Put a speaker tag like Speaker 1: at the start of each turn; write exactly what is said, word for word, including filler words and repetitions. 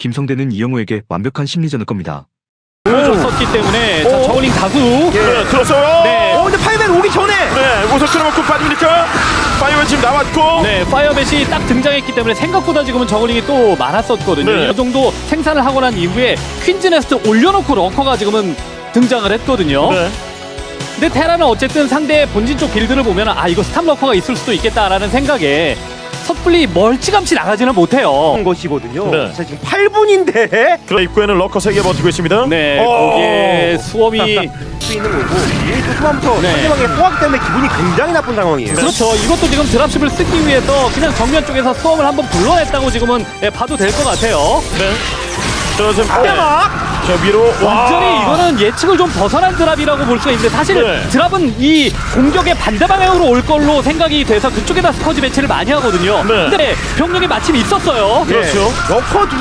Speaker 1: 김성대는 이영호에게 완벽한 심리전을 겁니다.
Speaker 2: 보여줬었기 때문에 자,
Speaker 3: 오.
Speaker 2: 저울링 다수.
Speaker 3: 네, 들었어요.
Speaker 2: 네.
Speaker 3: 어, 근데 파이어맨 오기 전에. 네, 우선 틀어먹고 빠집니까? 파이어맨 지금 나왔고.
Speaker 2: 네, 파이어벳이 딱 등장했기 때문에 생각보다 지금은 저글링이 또 많았었거든요.
Speaker 3: 네.
Speaker 2: 이 정도 생산을 하고 난 이후에 퀸즈네스트 올려놓고 럭커가 지금은 등장을 했거든요.
Speaker 3: 네.
Speaker 2: 근데 테라는 어쨌든 상대의 본진 쪽 빌드를 보면 아 이거 스탑 럭커가 있을 수도 있겠다라는 생각에 섣불리 멀찌감치 나가지는 못해요.
Speaker 4: 것이거든요.
Speaker 3: 네.
Speaker 4: 자, 지금 팔 분인데
Speaker 3: 그래 입구에는 럭커 세 개 버티고 있습니다.
Speaker 2: 네,
Speaker 3: 어.
Speaker 2: 거기에 수험이
Speaker 4: 수 있는 거고 이 초반부터
Speaker 2: 네.
Speaker 4: 상대방의 소화기 때문에 기분이 굉장히 나쁜 상황이에요.
Speaker 2: 그렇죠. 이것도 지금 드랍십을 쓰기 위해서 그냥 정면 쪽에서 수험을 한번 불러냈다고 지금은 예, 봐도 될 것 같아요.
Speaker 3: 네. 저 지금
Speaker 4: 막
Speaker 3: 저 위로
Speaker 2: 완전히
Speaker 3: 와.
Speaker 2: 이거는 예측을 좀 벗어난 드랍이라고 볼 수가 있는데 사실
Speaker 3: 네.
Speaker 2: 드랍은 이 공격의 반대 방향으로 올 걸로 생각이 돼서 그쪽에다 스커지 배치를 많이 하거든요.
Speaker 3: 네.
Speaker 2: 근데 병력이 마침 있었어요.
Speaker 3: 그렇죠.
Speaker 4: 러커 두